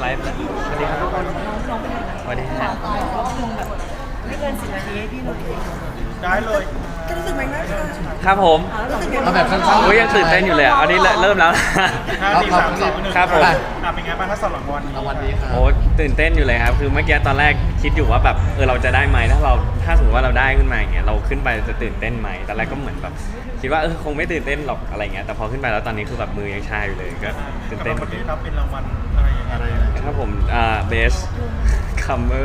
ฟ์แล้วสวัสดีครับทุกคนสวัสดีครับไม่เกิน10 นาทีให้พี่หนุ่ยได้เลยก็รู้สึกไหมนะคะครับผมเอาแบบสั้นๆโอ้ยยังตื่นเต้นอยู่เลยอ่ะอันนี้เริ่มแล้ว 5 4 3 2 1 ครับผมเป็นไงบ้างถ้าสำหรับวันนี้รางวัลนี้ครับโอ้ตื่นเต้นอยู่เลยครับคือเมื่อกี้ตอนแรกคิดอยู่ว่าแบบเราจะได้ไหมถ้าสมมติว่าเราได้ขึ้นมาอย่างเงี้ยเราขึ้นไปจะตื่นเต้นไหมตอนแรกก็เหมือนแบบคิดว่าคงไม่ตื่นเต้นหรอกอะไรเงี้ยแต่พอขึ้นไปแล้วตอนนี้คือแบบมือยังชาอยู่เลยก็ตื่นกับเต้นวันนี้รับเป็นรางวัลอะไรอย่างเงี้ยอะไรนะครับผมbest comer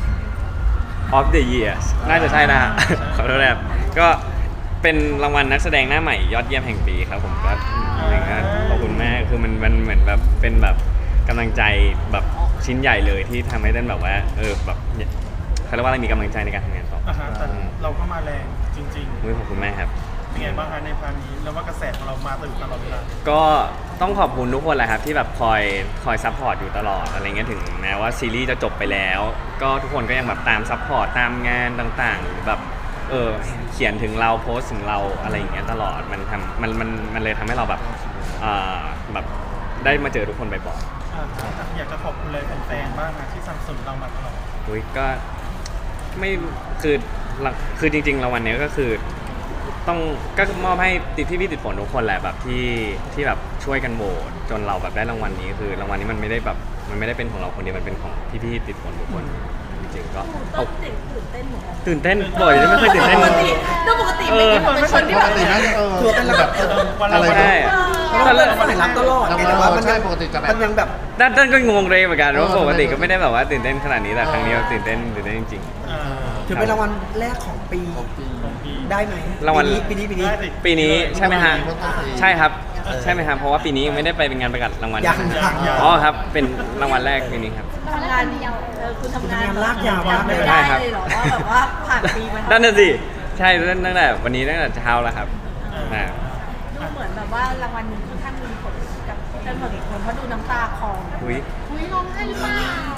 of the year น่าจะใช่นะฮะ ขอโทษนะครับก็เป็นรางวัลนักแสดงหน้าใหม่ยอดเยี่ยมแห่งปีครับผมก็ขอบคุณมากคือมันเหมือนแบบเป็นแบบกำลังใจแบบชิ้นใหญ่เลยที่ทำให้เต้นแบบว่าแบบเขาเรียกว่าอะไรมีกำลังใจในการทำงานต่อแต่เราก็มาแรงจริงขอบคุณมากครับๆเป็นไงบ้างคะในพาร์ทนี้แล้วว่ากระแสของเรามาตลอดเวลาก็ต้องขอบคุณทุกคนแหละครับที่แบบคอยซัพพอร์ตอยู่ตลอดอะไรเงี้ยถึงแม้ว่าซีรีส์จะจบไปแล้ว ก็ทุกคนก็ยังแบบตามซัพพอร์ตตามงานต่างๆหรือแบบเขียนถึงเราโพสต์ถึงเราอะไรอย่างเงี้ยตลอดมันเลยทำให้เราแบบแบบได้มาเจอทุกคนบ่อยอยากจะขอบคุณเลยแฟนๆบ้างนะที่สนับสนุนเรามาตลอดๆอุ้ยก็ไม่คือจริงๆรางวัลเนี้ยก็คือต้องก็มอบให้พี่ติดฝนทุกคนแหละแบบที่แบบช่วยกันโหวตจนเราแบบได้รางวัลนี้คือรางวัลนี้มันไม่ได้เป็นของเราคนเดียวมันเป็นของพี่ติดฝนทุกคนจริงๆก็ต้นเด็กตื่นเต้นเหมือนกันตื่นเต้นบ่อยไม่เคยตื่นเต้นปกติเป็นคนที่ปแบกบติน่าจะถือว่าเป็นแบบอะไรใช่เราเป็นคนรับตลอดแต่ว่ามันใช่ปกติจะแบบมันยังแบบด้านก็งงเลยเหมือนกันว่าปกติก็ไม่ได้แบบว่าตื่นเต้นขนาดนี้แต่ครั้งนี้เราตื่นเต้นจริงถือเป็นรางวัลแรกของปีได้ไหมรางวัลปีนี้ๆปีนี้ใช่ไหมฮะใช่ครับใช่ไหมครับเพราะว่าปีนี้ยังไม่ได้ไปเป็นงานประกาศรางวัลยังอ๋อครับเป็นรางวัลแรกปีนี้ครับทำงานคุณทำงานลากยาวมากเลยใช่ได้ครับเลยเหรอว่าแบบว่าผ่านปีมานั่นน่ะสิใช่ตั้งแต่วันนี้ตั้งแต่เช้าแล้วครับนะดูเหมือนแบบว่ารางวัลนี้ค่อนข้างมีผลกับเต้นหมดอีกคนเพราะดูน้ำตาคลออุ้ยร้องไห้หรือเปล่า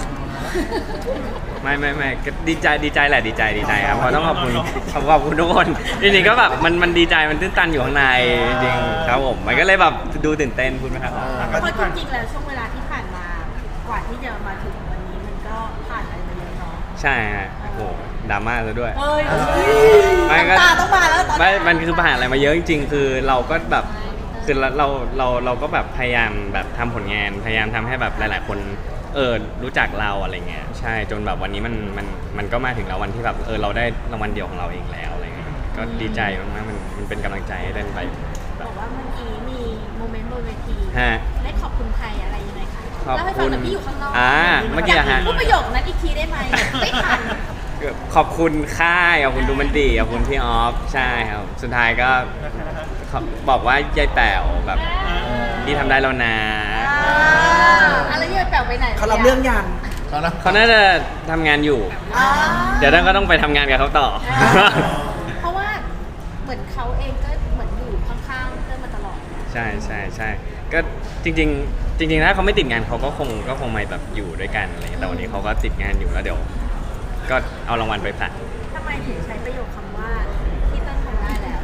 ไม่ก็ดีใจแหละดีใจครับเพราะต้องขอบคุณทุกคนจริงๆก็แบบมันดีใจมันตื้นตันอยู่ข้างในจริงๆครับผมมันก็เลยแบบดูตื่นเต้นพูดไหมครับเพราะจริงๆแล้วช่วงเวลาที่ผ่านมากว่าที่จะมาถึงวันนี้มันก็ผ่านอะไรมาเยอะเนาะใช่ฮะโอ้โหดราม่าซะด้วยเฮ้ยไม่ก็น้ำตาต้องมาแล้วตอนไม่นี้มันคือผ่านอะไรมาเยอะจริงๆคือเราก็แบบคือเราก็แบบพยายามแบบทำผลงานพยายามทำให้แบบหลายๆคนรู้จักเราอะไรเงี้ยใช่จนแบบวันนี้มันก็มาถึงแล้ววันที่แบบเราได้รางวัลเดียวของเราเองแล้วอะไรเงี้ยก็ดีใจมากๆมันเป็นกำลังใจให้เล่นไปบอกว่าเมื่อกี้มีโมเมนต์บนเวทีฮะได้ขอบคุณใครอะไรยังไงคะขอบเล่าให้ฟัคุงณหน่อยพี่อยู่ข้างนอกเมื่อกี้อะฮะพูดประโยคนั้นอีกทีได้ไหมไม่ทันขอบคุณค่ายขอบคุณดูมันดีขอบคุณพี่ออฟใช่ครับสุดท้ายก็บอกว่ายายแป๋วแบบที่ทำได้แล้วนะอะไรที่แปลไปไหนเขารับเรื่องยันเขานะเขาน่าจะทำงานอยู่ เดี๋ยวท่านก็ต้องไปทำงานกับเขาต่อเพราะว่าเหมือนเขาเองก็เหมือนอยู่ข้างๆเต้นมาตลอดใช่ก็จริงๆถ้าเขาไม่ติดงานเขาก็คงมาแบบอยู่ด้วยกันอะไรอย่างเงี้ยแต่วันนี้เขาก็ติดงานอยู่แล้วเดี๋ยว ก็เอารางวัลไปผลัดทำไมถึงใช้ประโยคคำว่าที่เต้นทำได้แล้ว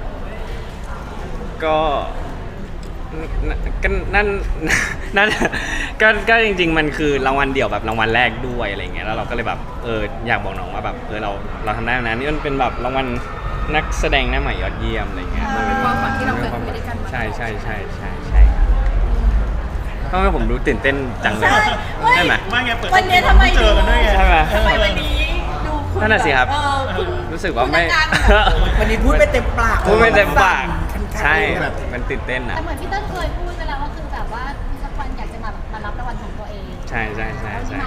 ก็นั่น ก็จริงๆมันคือรางวัลเดี่ยวแบบรางวัลแรกด้วยอะไรเงี้ยแล้วเราก็เลยแบบอยากบอกน้องว่าแบบเราทำได้นะนี่มันเป็นแบบรางวัลนักแสดงหน้าใหม่ยอดเยี่ยมอะไรเงี้ยมันเป็นความฝันที่เราเคยคุยด้วยกันใช่ทำไมผมรู้ตื่นเต้นจังเลยใช่ไหมไม่ไงเปิดวันนี้ทำไมเจอกันด้วยไงใช่ไหมทำไมวันนี้ดูคุณนั่นน่ะสิครับคุณรู้สึกว่าไม่คุณอาจารย์วันนี้พูดไม่เต็มปากพูดไม่เต็มปากคันๆใช่มันตื่นเต้นอ่ะแต่เหมือนพี่เต้นเคยพูดไปแล้วว่าคือแบบว่าสักวันอยากจะมารับรางวัลของตัวเองใช่แล้วนี่มาถึงแล้ว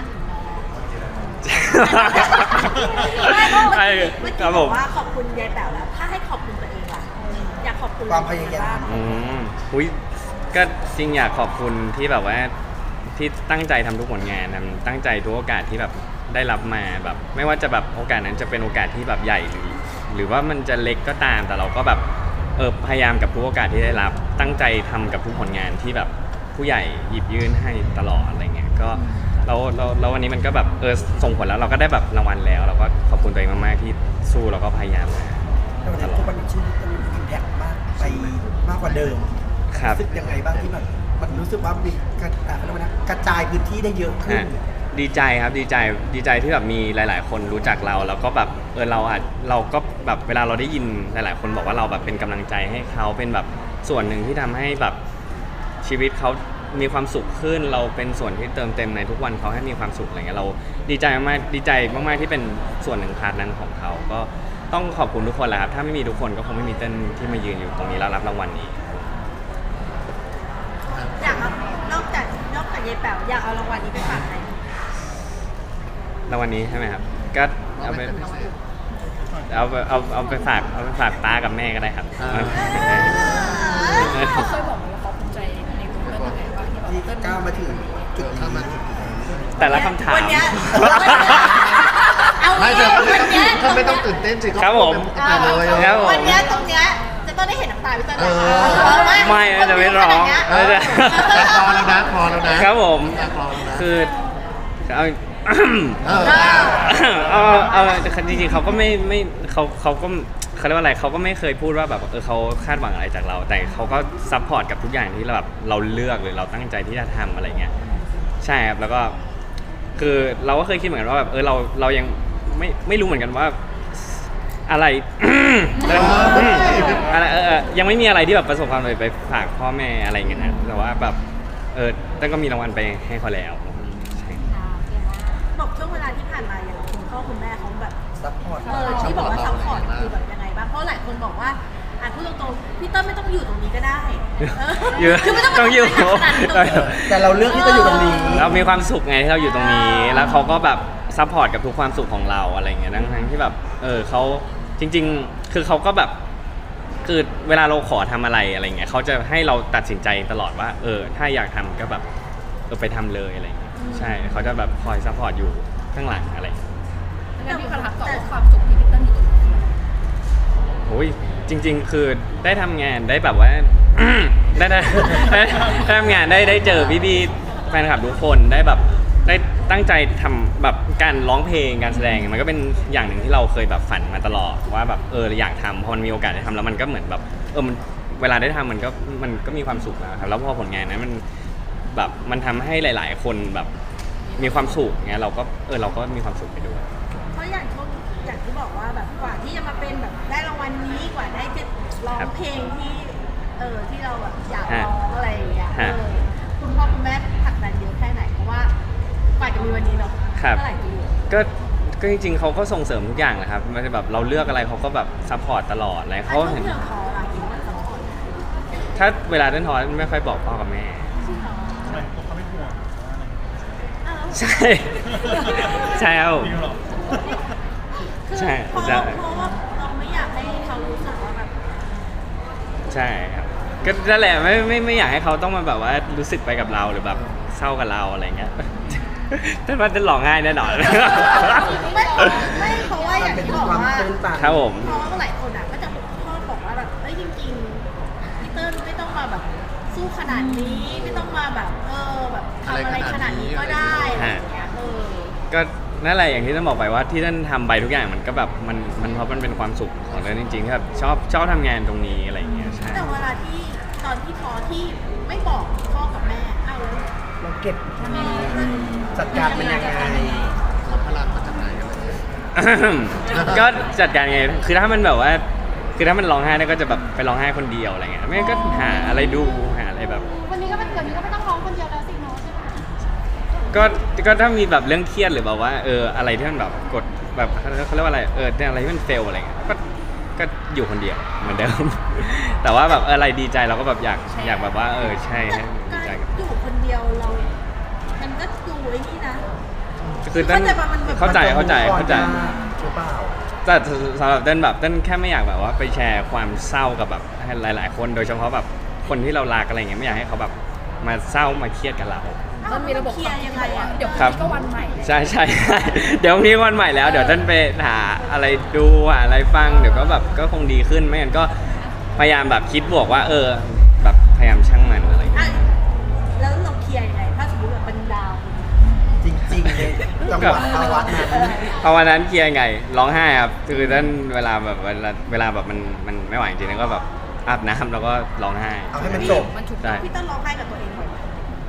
ใช่เมื่อคกี้รับบผอกมว่าขอบคุณยายแป๋วแล้ว ถ้าให้ขอบคุณตัวเองล่ะอยากขอบคุณความพยายามอุ้ยก็จริงอยากขอบคุณที่แบบว่าที่ตั้งใจทำทุกผลงานตั้งใจทุกโอกาสที่แบบได้รับมาแบบไม่ว่าจะแบบโอกาสนั้นจะเป็นโอกาสที่แบบใหญ่หรือว่ามันจะเล็กก็ตามแต่เราก็แบบพยายามกับทุกโอกาสที่ได้รับตั้งใจทำกับทุกผลงานที่แบบผู้ใหญ่หยิบยื่นให้ตลอดอะไรเงี้ยก็แล้ววันนี้มันก็แบบส่งผลแล้วเราก็ได้แบบรางวัลแล้วเราก็ขอบคุณตัวเองมากๆที่สู้แล้วก็พยายามมาแต่วันนี้ทุกวันนี้ชื่อมันอิมแพคมากไปมากกว่าเดิมครับรู้สึกยังไงบ้างที่แบบมันรู้สึกว่ามีเขาเรียกว่านะกระจายพื้นที่ได้เยอะขึ้นดีใจครับดีใจที่แบบมีหลาย ๆ คนรู้จักเราแล้วก็แบบเราก็แบบเวลาเราได้ยินหลาย ๆ คนบอกว่าเราแบบเป็นกำลังใจให้เขาเป็นแบบส่วนหนึ่งที่ทำให้แบบชีวิตเขามีความสุขขึ้นเราเป็นส่วนที่เติมเต็มในทุกวันเขาให้มีความสุขอะไรเงี้ยเราดีใจมากๆดีใจมากๆที่เป็นส่วนหนึ่งพาร์ทนั้นของเขาก็ต้องขอบคุณทุกคนแหละครับถ้าไม่มีทุกคนก็คงไม่มีเต้นที่มายืนอยู่ตรงนี้แล้วรับรางวัลนี้อยากเอานอกจากยายแป๋วอยากเอารางวัลนี้ไปฝากใครรางวัลนี้ใช่ไหมครับก็เอาไปเอาไปฝากป้ากับแม่ก็ได้ครับเขาเคยบอกว่าเขาภูมิใจในตัวเต้นยังไงบ้างที่แบบที่เต้นก้าวมาถึงจุดนี้แต่ละคำถามวันเนี้ยเอาไม่งี้จะวันเนี้ยถ้าไม่ต้องตื่นเต้นสิครับผมก็พูดเป็นปกติเลยครับผมวันเนี้ยตรงเนี้ยจะต้องได้เห็นน้ำตาพี่เต้นนะไม่จะไม่ร้องคนดูขนาดเนี้ยแต่พอแล้วนะพอแล้วนะครับผมพอแล้วนะคือเอาเออเอาจริงๆเขาก็ไม่เขาก็เขาเรียกว่าอะไรเขาก็ไม่เคยพูดว่าแบบเขาคาดหวังอะไรจากเรา แต่เขาก็ซัพพอร์ตกับทุกอย่างที่เราแบบเราเลือกหรือเราตั้งใจที่จะทำอะไรเงี้ยใช่ครับแล้วก็คือเราก็เคยคิดเหมือนกันว่าแบบเรายังไม่รู้เหมือนกันว่าอะไร อะไรยังไม่มีอะไรที่แบบประสบความสำเร็จไปฝากพ่อแม่อะไรเงี้ยนะแต่ว่าแบบตั้งก็มีรางวัลไปให้เขาแล้วใช่บอกช่วงเวลาที่ผ่านมาอย่างคุณพ่อคุณแม่เขาแบบซัพพอร์ตที่บอกว่าซัพพอร์ตคือแบบยังไงบ้างเพราะหลายคนบอกว่าพูดตรงๆพี่เต้นไม่ต้องอยู่ตรงนี้ก็ได้อยู่คือไม่ต้องต้องอยู่ขนาดนี้ตรงนี้แต่เราเลือกที่จะอยู่ตรงนี้เรามีความสุขไงที่เราอยู่ตรงนี้ แล้วเขาก็แบบซัพพอร์ตกับทุกความสุขของเราอะไรเงี้ยทั้งที่แบบเขาจริง ๆ คือเขาก็แบบคือเวลาเราขอทำอะไรอะไรเงี้ยเขาจะให้เราตัดสินใจตลอดว่าถ้าอยากทำก็แบบไปทำเลยอะไรเงี้ยใช่เขาจะแบบคอยซัพพอร์ตอยู่ข้างหลังอะไรเงี้ยงั้นพี่ประทับต่อว่าความสุขที่พี่เต้นอยู่ตรงนี้โอ้ยจริง ๆ คือได้ทำงานได้แบบว่า ได้ทำงานได้เจอพี่ๆแฟนคลับทุกคนได้แบบได้ตั้งใจทำแบบการร้องเพลงการแสดงมันก็เป็นอย่างหนึ่งที่เราเคยแบบฝันมาตลอดว่าแบบอยากทำพอมันมีโอกาสได้ทำแล้วมันก็เหมือนแบบมันเวลาได้ทำมันก็มีความสุขนะครับแล้วพอผลงานนั้นมันแบบมันทำให้หลาย ๆ คนแบบมีความสุขเงี้ยเราก็เราก็มีความสุขไปด้วยเพราะอย่างที่บอกว่าแบบกว่าที่จะมาเป็นแบบได้รางวัลนี้กว่าได้จะร้องเพลงที่ที่เราแบบอยากร้องอะไรอย่างเงี้ยคุณพ่อคุณแม่ผลักดันเยอะแค่ไหนเพราะว่ากว่าจะมีวันนี้เนาะเท่าไหร่ปีก็จริงๆเขาก็ส่งเสริมทุกอย่างแหละครับมันจะแบบเราเลือกอะไรเขาก็แบบซัพพอร์ตตลอดอะไรเขาเห็เห็นนเรื่องคออะไรอย่างเงี้ยสปอร์ตถ้าเวลาเต้นทอยไม่ค่อยบอกพ่อกับแม่ทำไมพวกเขาไม่ห่วงหรือว่าอะไรใช่ใช่ครับผมจริงเหรอใช่เพราะว่าเราไม่อยากให้เขารู้สึกว่าแบบใช่ครับก็นั่นแหละไม่อยากให้เขาต้องมาแบบว่ารู้สึกไปกับเราหรือแบบเศร้ากับเราอะไรเงี้ย แต่ว่าจะหลอกง่ายแน่นอนไม่เพราะว่าอย่างที่บอกว่ามันเป็นความตื้นตันครับผมเพราะว่าหลายคนอ่ะก็จะชอบบอกว่าแบบจริงๆพี่เติ้ลไม่ต้องมาแบบสู้ขนาดนี้ไม่ต้องมาแบบแบบทำอะไรขนาดนี้ก็ได้อะไรอย่างเงี้ยก็นั่นแหละอย่างที่ต้องบอกไปว่าที่ท่านทำไปทุกอย่างมันก็แบบมันเพราะมันเป็นความสุขของเราจริงๆที่แบบชอบทำงานตรงนี้อะไรอย่างเงี้ยใช่แต่เวลาที่ตอนที่พอที่ไม่บอกพ่อกับแม่แล้วเราเก็บจัดการมันยังไงรับพลังมาจากไหนอะไรเงี้ยก็จัดการไงคือถ้ามันแบบว่าคือถ้ามันร้องไห้ได้ก็จะแบบไปร้องไห้คนเดียวอะไรเงี้ยไม่งั้นก็หาอะไรดูหาอะไรแบบวันนี้ก็เป็นเดี๋ยวนี้ก็ไม่ต้องร้องคนเดียวแล้วสิเนาะใช่ไหมก็ถ้ามีแบบเรื่องเครียดหรือแบบว่าอะไรที่มันแบบกดแบบเขาเรียกว่าอะไรอะไรที่มันเฟลอะไรเงี้ยก็อยู่คนเดียวเหมือนเดิม แต่ว่าแบบอะไรดีใจเราก็แบบอยากแบบว่าใช่ให้ดีใจกับอยู่คนเดียวเรา มันก็ดูไอ้นี่นะคือเต้นเข้าใจหรือเปล่าแต่สำหรับเต้นแบบเต้นแค่ไม่อยากแบบว่าไปแชร์ความเศร้ากับแบบให้หลาย ๆ คนโดยเฉพาะแบบคนที่เรารักอะไรเงี้ยไม่อยากให้เขาแบบมาเศร้ามาเครียดกับเรามันมีระบบความคิดบอกว่าเดี๋ยวพครัรุ่งนี้ก็วันใหม่เลยใช่ เดี๋ยวพรุ่งนี้วันใหม่แล้วเดี๋ยวเต้นไปหาอะไรดูหาอะไรฟังเดี๋ยวก็แบบก็คงดีขึ้นไม่งั้นก็พยายามแบบคิดบวกว่าแบบพยายามช่างมันอะไรเงี้ยแล้วเราเคลียร์ยังไงถ้าสมมติแบบเป็นดาวจริงๆเลยจังหวะภาวะนั้นพอวันนั้นเคลียร์ไงร้องไห้ครับคือท่านเวลาแบบมันไม่ไหวจริงๆแล้วก็แบบอาบน้ำแล้วก็ร้องไห้เอาให้มันจบใช่พี่เต้นร้องไห้กับตัวเองบ่อยไหม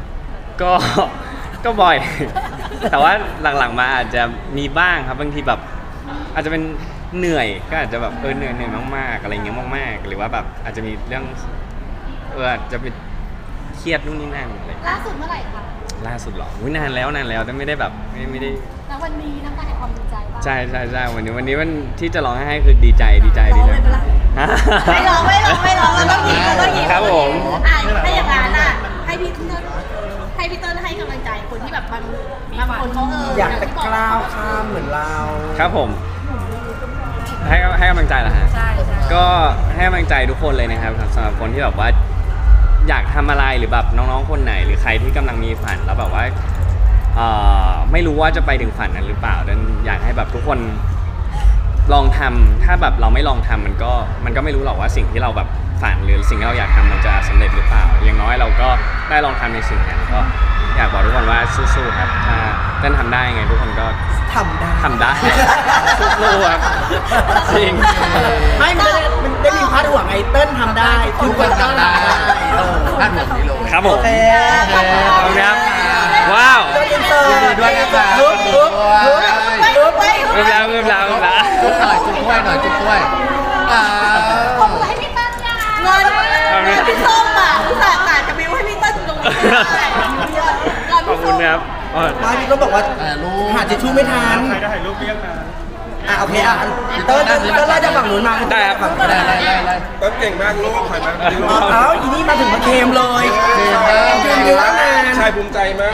ก็บ่อย แต่ว่าหลังๆมาอาจจะมีบ้างครับบางทีแบบอาจจะเป็นเหนื่อยก็อาจจะแบบเหนื่อยมากๆอะไรเงี้ยมากๆหรือว่าแบบอาจจะมีเรื่องอาจจะเป็นเครียดนู่นนี่นั่นอะไรล่าสุดเมื่อไหร่คะล่าสุดเหรออุ๊ยนานแล้วแต่ไม่ได้แบบไม่ได้แล้ววันนี้น้ำตาแห่งความดีใจป่ะใช่วันนี้วันที่จะร้องไห้คือดีใจร้องเลยปะล่ะฮะไม่ร้องเราต้องยิ้มเราต้องยิ้มครับผมอ่ะถ้าอย่างนั้นอ่ะให้พี่เติ้ลให้กำลังใจคนที่แบบบางคนเขาอยากจะกล้าวข้ามเหมือนเราครับผมให้กำลังใจเหรอฮะก็ให้กำลังใจทุกคนเลยนะครับสำหรับคนที่แบบว่าอยากทำอะไรหรือแบบน้องๆคนไหน หรือใครที่กำลังมีฝันแล้วแบบว่าไม่รู้ว่าจะไปถึงฝันนั้นหรือเปล่าดังนั้นอยากให้แบบทุกคนลองทำถ้าแบบเราไม่ลองทำมันก็ไม่รู้หรอกว่าสิ่งที่เราแบบฝันหรือสิ่งที่เราอยากทำมันจะสำเร็จหรือเปล่าอย่างน้อยเราก็ได้ลองทำในสิ่งนั้นก็อยากบอกทุกคนว่าสู้ๆครับถ้าเต้นทำได้ไงทุกคนก็ทำได้ทำได้ สู้ๆครับจริงไม่มันได้มีพาดหัวไงเติ้ลทำได้ทุกคนทำได้คาดหวังนี้เลยครับผมโอเคขอบคุณครับ ว้าวเติ้ลอินเตอร์ยินดีด้วยนะครับฮึบฮึบฮึบฮึบเริ่มแล้วจุ๊บหน่อยจุ๊บถ้วยหน่อยจุ๊บถ้วยอ่าขอบคุณให้พี่เติ้ลยาเงินพี่ส้มอ่ะอุตส่าห์กะจะบิวให้พี่เติ้ลตรงนี้ได้ขอบคุณครับมาพี่ก็บอกว่าลูกหาทิชชู่ไม่ทันใครได้ถ่ายรูปเรียกนะโอเคเติ้ลไล่จากฝั่งนู้นมาได้ครับฝั่งนู้นได้ต้นเก่งมากลูกถอยมาเอาอีนี่มาถึงมาเคมเลยยืนเยอะนานชายภูมิใจมาก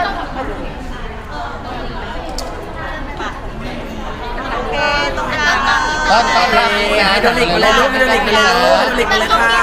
โอเคตรงกลางต้อนรับไฮโดรลิกมาเลยลูกไฮโดรลิกมาเลยลูกไฮโดรลิกมาเลยค่ะ